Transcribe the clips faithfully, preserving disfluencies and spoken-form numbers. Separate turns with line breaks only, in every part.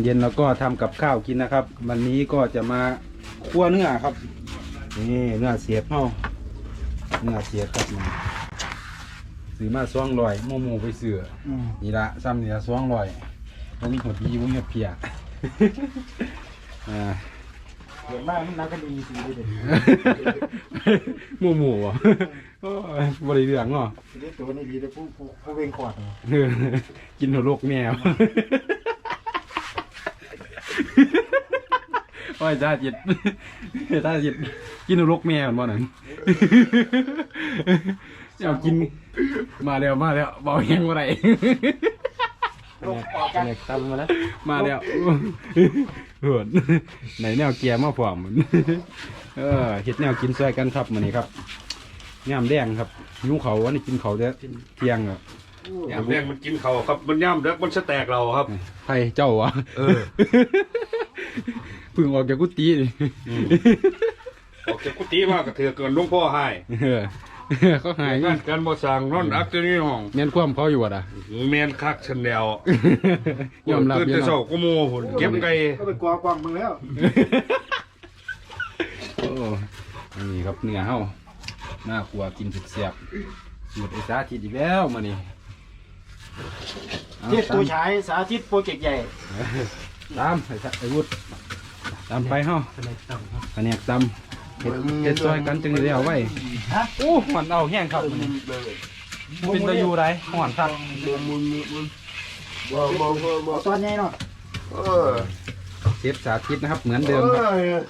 ย็นๆแล้วก็ทำกับข้าวกินนะครับวันนี้ก็จะมาคั่วเนื้อครับนี่เนื้อเสียบเฮาเนื้อเสียบครับนี่ซื้อมาสองร้อยโมโมไปเสือนี่ละซ้ำนี่ละสองร้อยมันมีหดดีมันมีเพียอ่า
เห็นมากมันนักกันดีสิเด็ด
โมโมอ่ะบริเรื่องเนาะ
เด็ดตัวนี้ดีเลยผู้ผู้ผู้เวงขอด
กินหัวโลกแมวโอ้ยจ้าจิตจ้าจิตกินหัวโลกแมวเหมือนบ่นั่นเอากินมาแล้วมาแล้วเบาแห้งอะไรเนี่ยตำมาแล้วมาแล้วเหินไหนแนวเกียร์มาพร้อมเออเห็ดแนวกินซอยกันครับมื้อนี้ครับย่ามแดงครับยุ่งเขาวันนี้กินเขาเด้อเที่ยงอ่ะ
ย่ามแดงมันกินเขาครับมันย่ามเด็กมันจะแตกเราครับ
ใครเจ้าวะ
เออ
พึ่งออกจากกุฏินี่
ออกจากกุฏิมากระเถือเกินลุงพ่อให้
เขาหาย
งานการบ่สั่งนอนอักตัวนี้ห้อง
เมียนคว่ำเขาอยู่อ่ะ
เมียนคักชันแนวย
อมรับ
ตื่นแต่เช้าก็โม่หุ่นเก็บไก่
ก็ไปกวาดกวางมึงแล้ว
โอ้นี่ครับเนื้อเฮาหน้าครัวกินเสียบหมดไอ้สาธิตอีกแล้วมานี่
เทียบตัวฉายสาธิตโปรเจกต์ใหญ่
ตามไอ้ไอ้วุฒิตามไปเฮาคะแนนตำเห็ดเห็ดซอยกันจึงได้เอาไว้โอ้มันเอาแห้งครับมันเป็นตะยูไรห่อนครับ
ตอนใหญ่เนาะ
เชฟสาธิตนะครับเหมือนเดิมครับ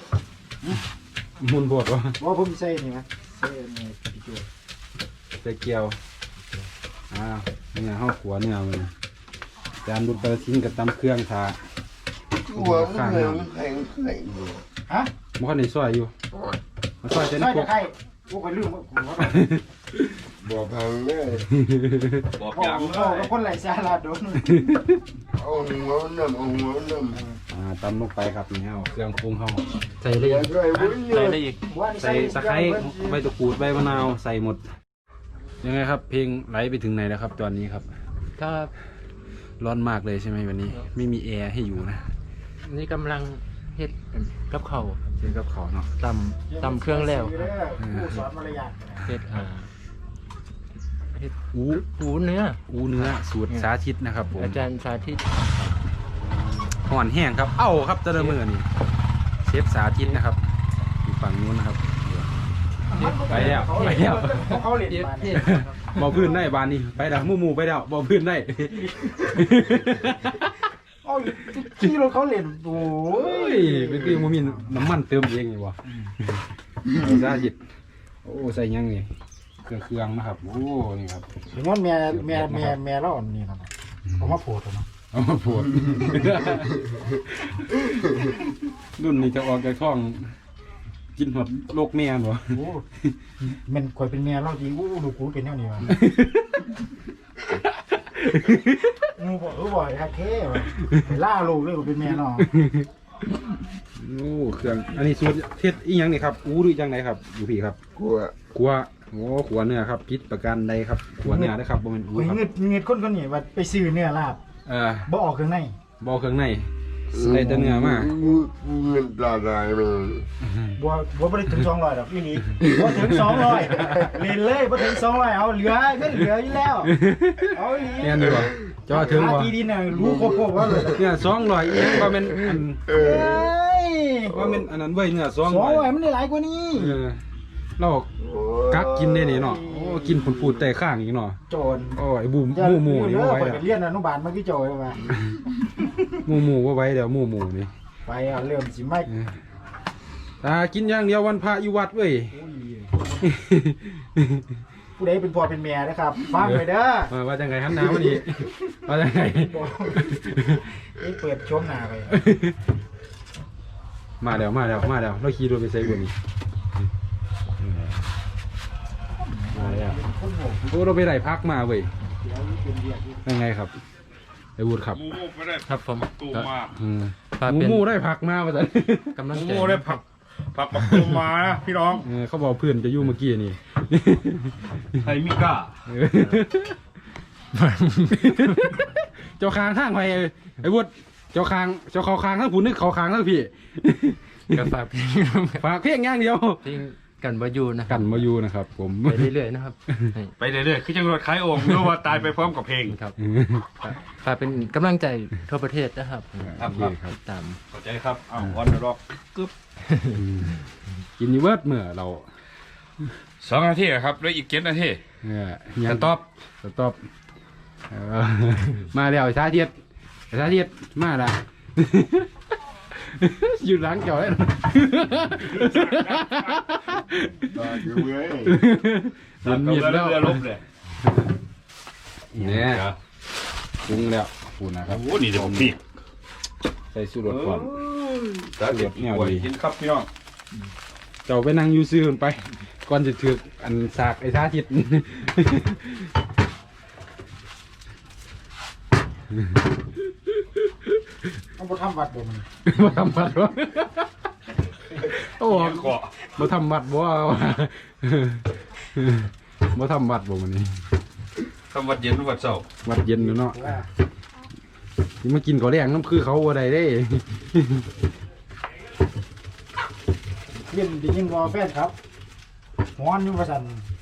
มุนบดวะ
ว่าผมใส่นี่มั้ยใส่เนี่ย
ใส่เกี๊ยวอ่าเนื้อห้าขัวเนื้อมันจานดุเตอร์ชิ้นกับตำเครื่องทา
หัวข้างแข็งแข็ง
ฮะ
มันในซอยอยู่มันซอยจะ
นี่พวกใครพวกไปลืม
บอกพังเลย
บอกอย่าง
เลยคนไหลซาลาโดน
เอาหัวน้ำเอาหัวน้
ำอ่าตำลงไปครับนี่เอาเครื่องปรุงเขาใส่
ได้อีก
ใส่ได้อีกใส่ตะไคร้ใบตะกรูดใบมะนาวใส่หมดยังไงครับเพลงไหลไปถึงไหนแล้วครับตอนนี้ครับ
ก็
ร้อนมากเลยใช่ไหมวันนี้ไม่มีแอร์ให้อยู่นะ
นี่กำลังเฮ็ดกับเขา
เฮ็ดกับเขาเนาะ
ตำตำเครื่องแล้วเฮ็ดอ่าเฮ็ดอูอูเนื้อ
อูเนื้อสูตรสาธิตนะครับผม
อาจารย์สาธิต
ห่อนแห้งครับเอ้าครับเจริญมือนี่เชฟสาธิตนะครับอยู่ฝั่งนู้นนะครับไปแล้วไปแล้ว
เขาเล่น
บ่พื้นได้บานนี้ไปแล้วมู่มู่ไปแล้วบ่พื้นได้
เอาที่รถเขาเล่นโอ้
ยเป็นที่มันมีน้ำมันเติมเองไงวะสาธิตโอ้ใส่ยังไงเครื่องเครื่องนะครับโอ้นี่ครับ
ถึงว่าแม่แม่แม่แม่เราอันนี้นะเอามาโผล่ตัวเนาะ
เอามาโผล่รุ่นนี้จะออกจากท้องกินหมดโลกแม่หรอ
โอ้มันคอยเป็นแม่เราจริงโอ้ดูกูเป็นแนวนี้วะงูบอกเออบ่อยฮะเท่ล่าลูกเลยเป็นแม่เนาะ
โอ้เครื่องอันนี้สูตรเทศอีกอย่างนี่ครับอู้ดูจังไหนครับอยู่พี่ครับ
กลัว
กลัวโอ้ขัวเนื้อครับพิษประกันใดครับขัวเนื้อได้ครับบ่เป็นอู้ครับ
เงิดเงิดคนคนนี้ว่าไปซื้อเนื้อลาบ
เออ
บ่ออกเครื่องใน
บ่เครื่องในใส่แต่เนื้อมา
เงินตาลายเลย
บ่บ่ไปถึงสองร้อยดอกอีนี่บ่ถึงสองร้อยเล่นเลยบ่ถึงสองร้อยเอาเหลือเงินเหลืออยู่แล้วเอาอี
เนี่ยนี่บ่จ่อถึงบ่
ทีดินน่ะรู้ครบๆว่าเลย
เนี่ยสองร้อยอีว่าเป็นอันเอ้ยว่าเป็นอันนั้นเว้ยเนื้อสองร้อย
สองร้อยมันได้หลายกว่านี้
เออเรากักกินได้นี่เนาะโอ้กินผลปูดแต่ข้างอีกเนาะ
โจร
โอ้ยบูมหมู่หมู่นี่บ่ไว้
ไปเรียนอนุบาลมากี่โจรมา
หมู่หมู่บ่ไว้เดี๋ยวหมู่หมู่นี่
ไปอ่ะเริ่มสิไม่
ตากินอย่างเดียววันพระอยู่วัดเว้ย
ผู้ใดเป็นพ่อเป็นแม่นะครับฟังไปเด้อ
ว่าจังไงฮันน้ำวันนี้ว่าจังไง
นี่เปิดชมหน้าไป
มาแล้วมาแล้วมาแล้วเราขี่รถไปใส่บนนี้มาแล้วโอ้เราไปไหนพักมาเว้ยยังไงครับไอ้วุฒิครับ
ครับผม
ตูมา
หมูหมูได้ผักมาป่ะจ๊ะ
กำลัง
หมูได้ผักผักกับตูมาพี่น้อง
เขาบอกเพื่อนจะยุ่งเมื่อกี้นี่
ไทมิก้า
เจ้าคางทางไปไอ้วุฒิเจ้าคางเจ้าเขาคางทั้งผู้นึกเขาคางทั้งพี่
ก็ฝากเพลง
ฝากเพียงอย่างเดียว
เพลงกันบายูนะค
กั
รับ
นมาอยู่นะครับ ผม
ไปเรื่อยๆนะครับให้
ไปเรื่อยๆคือจังหวัดขายโอ่งรู้ว่าตายไปพร้อมกับเพลง
ครับฝากเป็นกำลังใจทั่วประเทศนะครับ
ครับ
โอเคครับ
ตาม
เข้าใจครับอ้าววันร็อกกึ๊บ
กินอยูเวิร์ดเมื่อเรา
สองนาทีครับแล้วอีกเจ็ดนาที
เออ
สต็อป
สต็อปเออมาแล้วไอ้สาธิตไอ้สาธิตมาละ อยู่หลังเกี่ยวเลย
ตาอยู่เว้ย
เห็นมีดแล้ว
เรือลบเลย
เนี่ยปรุงแล้วปูนะครับ
โอ้นี่เดี๋ยวผมปีก
ใส่สูตรก่อน
สาธิตเนี่ยดีกินครับพี่น้อง
เจ้าไปนั่งอยูซื้อมันไป ก่อนจะถืออันสากไอ้สาธิต
ต้องบ่ทำวัดบ่มัน
มาทำบัตรวะโอ้
เกาะ
มาทำบัตรบ่วะมาทำบัตรบ่มันนี่
คำวัดเย็นวัดเสาร์
วัดเย็นอยู่เนาะที่มากินข้าวแรงน้ำคือเขาว่าใดได้
เล่นได้ยินบ่แฟนครับฮ้อนอยู่ว่าซั่น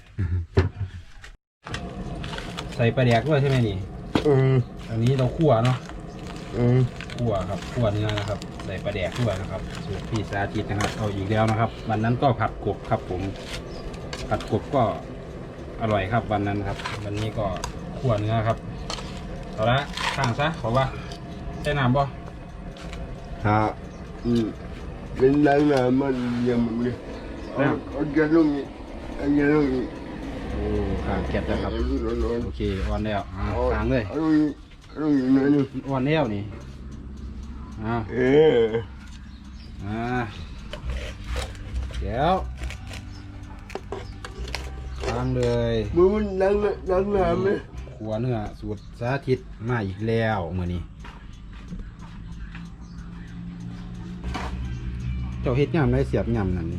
ใส่ปลาแดกด้วยใช่ไหมนี่
อืม
อันนี้เราคั่วเนาะ
อืม
คั่วครับคั่วเนื้อนะครับ ใส่ปลาแดกด้วยนะครับสูตรพี่สาธิตนะครับเอาอีกแล้วนะครับ วันนั้นก็ผัดกบครับผม ผัดกบก็อร่อยครับวันนั้นครับ วันนี้ก็คั่วเนื้อครับเอาละข้างซะขอว่าใส่น้ำบ่
ถ้าอืมเป็นดังน้ำมันยังมึงเลยเอาเอาแกลงอีกเอาแกลงอีก
โอ้ข้างเก็บแล้วครับ
เอาลงลง
โอเคอ่อนแล้วอ่า
เอา
ข้างเลย
เอาลงอีกเอาลงอีกหน่อยหนึง
อ่อนแล้วนี่อ้าว
เออ
อ่าเดี๋ยวข้างเลย
มึงมันดังน้ำดังน้ำไหม
ขัวเนื้อสูตรสาธิตมาอีกแล้วเมื่อนี้เจ้าเฮ็ดยำได้เสียบยำนั่นนี่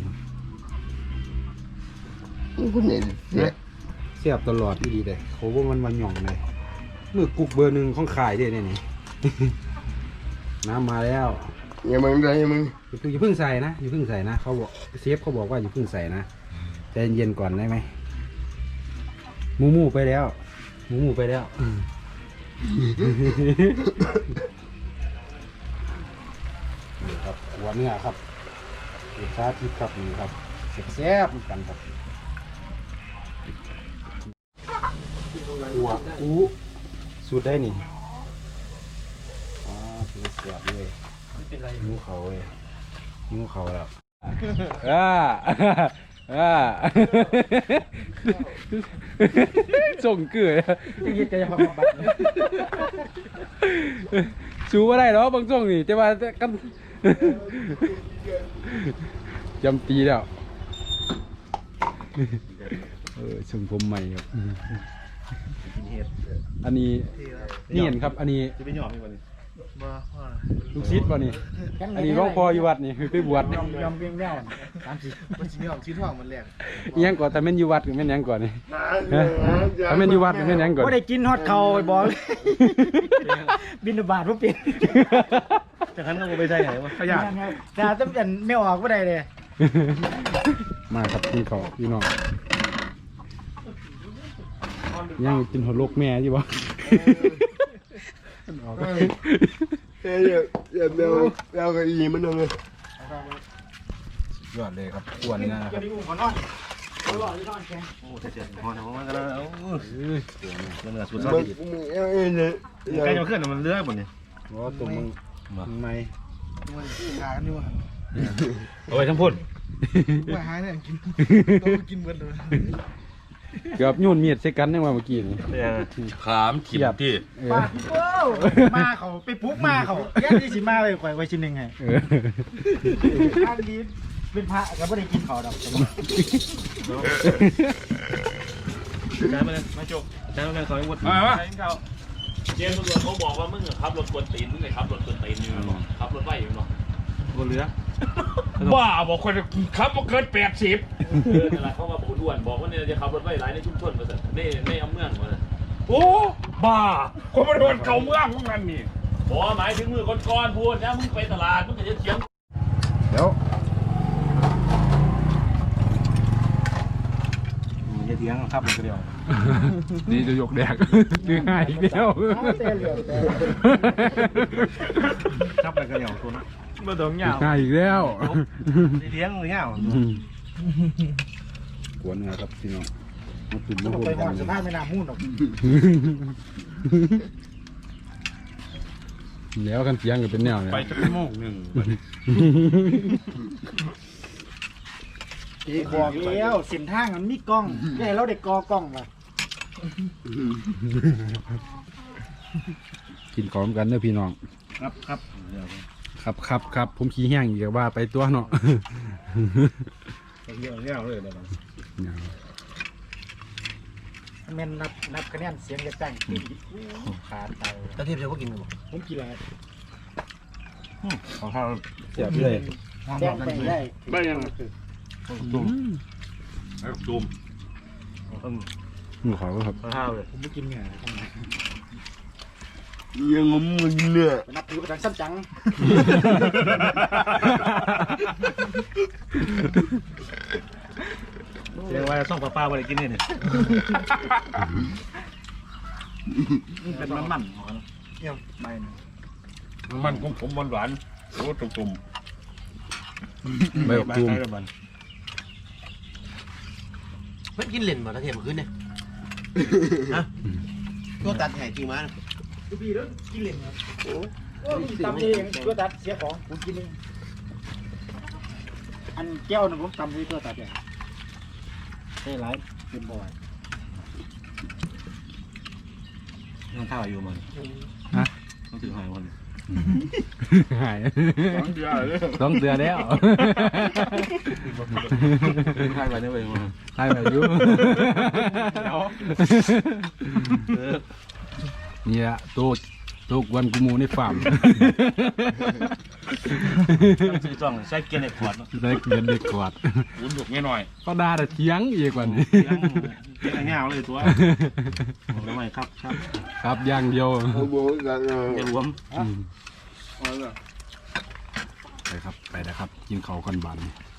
มึงคนไหนเสีย
เสียบตลอดที่ดีเลยเขาว่ามันวันหย่องเลยมือกุกเบอร์หนึ่งของขายเด้เนี่ยนี่ น้ำมาแล้ว
อย่ามึงได้อย่ามึง
อย่าเพิ่งใส่นะอย่าเพิ่งใส่นะเขาบอกเซฟเขาบอกว่าอย่าเพิ่งใส่นะใจเย็นๆก่อนได้ไหมหมูหมูไปแล้วหมูหมูไปแล้วอืมนี่ครับหัวเนื้อครับรสชาติที่ครับนี่ครับแซ่บๆเหมือนกันครับหัวอู้สูตรได้นี่อ่าสูตรแซ่บเลยนิ้วเขาเว้ยนิ้วเขาแล้วอ่าอ่าส่งเกลือ
ยึดใจความบัด
ชูว่าได้หรอบางช่วงนี่แต่ว่ากันจำปีแล้วเออชมผมใหม่ครับอันนี้นี่เห็นครับ อันนี้
จะไปหยอมอีกบ่นี่
ลูกศิษย์ป่ะนี่อันนี้หลวงพ่ออยู่วัดนี่ไปบวชนี่
ยอมยอมเพียงแล้วสามสิบมันสิยอมชิ้นทองมันแรก
อิหยังก่อนแต่แม่นอยู่วัดหรือแม่นหยังก่อนนี่ฮะถ้าแม่นอยู่วัดหรือแม่นหยังก่อน
บ่ได้กินฮอดเขาไปบอกเลย บินบาทบ่เป็น
จากนั้นก็ไปใช่ไหนวะขยะ
แต่ถ้าเป็นไม่ออกบ่ได้เลย
มาครับกินข้าวพี่น้องยังกินหัวโลกแม่อยู่บ่
เฮ้ยเดี๋ยวเดี๋ยวเดี๋ยวเดี๋ยวก็อีมันเอาเลย
ยอดเลยครับอ้วนนะครับ
จะได้อุ้มขอนอนขอนอนนอนแข็ง
โอ้เจ็ดพอนะมันก็แล้ว
เอ้ยตัวนี้
เนื้อสุด
มึงมึงเอาเองเลยเดี๋ยว
ใกล้จะขึ้นมันเลื้อยหมดเนี่ย
ว่าตัวมึงมึงไม่
มันหากันอยู่
เอาไว้ทั้งพุ่น
ว่าหาเนี่ยกินกินเบิดเลย
เกือบยุ่นเมียดใส่กันได้มาเมื่อกี้นี่
ขามขีดที่
เออ
ปาดโอ้มาเขาไปปลุ๊กมาเขาแย่ที่สิมาเลยข่อยไว้ชิ้นหนึ่งไง
เออ
อันนี้เป็นพระก็ไม่ได้กินเขาดอก
จานมาเลยมาจกจานมาเลยขอให้วุฒิ
มามา
เจมส์ตำรวจเขาบอกว่ามึงอะขับรถกวนตีนมึงไงขับรถกวนตีนอยู่เนาะขับรถไหวอยู่เนาะ
บนเรือ
บ้าบอกคนขับมาเกินแปดสิบ
เออนั่นแหละเขามาพูดด่วนบอกว่าเนี่ยจะขับรถไหวหลายในชุมชนมาสิในในอำเมืองมาสิ
โอ้บ้าคนมาโดนเก่าเมืองพวกนั้นนี่
บอกหมายถึงมือก้อนๆพูดนะมึงไปตลาดมึงจะเถียง
เดี๋ยว
อย่าเถียงครับมันก็เดียว
นี่จะยกแดกดื้อง่ายอีกแล้ว
ครับมันก็เดียวตัวนั้น
บ่ต้องยาว
ง่ายอีกแล้ว
เถียงหรือเงี้ย
กวนนะครับพี่น้องมาตุ่ม
ต้
มา
อง
หุ่
ไป
น
หอดสภาพไม่น่ามุ่นหรอก
แล้วกันเสียงก็เป็นแนวเนี่ย
ไปจะโมงหนึ่ง
บอกแล้วเส้นทางมันมีกล้องอย่าให้เราได้กอกล้องว่ะ
กินของกันเด้อพี่น้อง
ครับครับ
ครับครับครับผมขี้แห้งอีกว่าไปตัวเนาะ
เยอะเยอะเลยเดี๋ยวแม่นนับนับคะแนนเสียงจะจังขาดเตา
ตะเทียบจะบ่กินกันบ่
ผมกินอะไร
ของข้าว
เสียบเลย
แจ้งไปได้
ไม่ยังตุ่มไอ้ตุ่ม
หมูขาวครับ
ข้าวเลย
ผมไม่กินเนื้อ
ยังงมึนเนี่ย
ไปนับถือไปทางซ้ำจัง
เรียกว่าส่องป้าๆบ่ได้กินนี่นี่
เป็นมันมันหอมเยี่ยมใบหนึ่ง
มันของผมหวานๆโอ้ตุ่ม
ใบออกตูม
เพิ่นกินเล่นบ่ตะเทียบมื้อคืนนี่ฮะก็ตัดแห่จริงมา
ดูพี่แล้วกินเหล่นครับโอ้โหตำเองตัวตัดเสียของผมกินเองอันแก้วนึงผมตำด้วยตัวตัดเนี่ยใช่ไรเป็นบ่อย
มันข้าวอยู่มัน
ฮะ
ต้องถือหายวัน
หาย
ๆสองเดือนเลย
ต้องเตือนแล้ว
ข้าวไปได้ไปมัน
ให้แบบยุ่เนี่ยตัวตัวกวนกูมูในฟาร์ม
ซื้อจ้องใส่เกียร์ในขวดเนาะ
ได้เงินเด็กกวาด
อุ่นหนุกง่ายหน่อย
ก็ด่าแต่เทียงอีกกว่านี้
เกียร์เงาเลยตัวทำไมครับครับ
ครับอย่างเดียว
เขาบอกกัน
จะรวม
อืมไปครับไปนะครับ กินเขาวก่อนบัน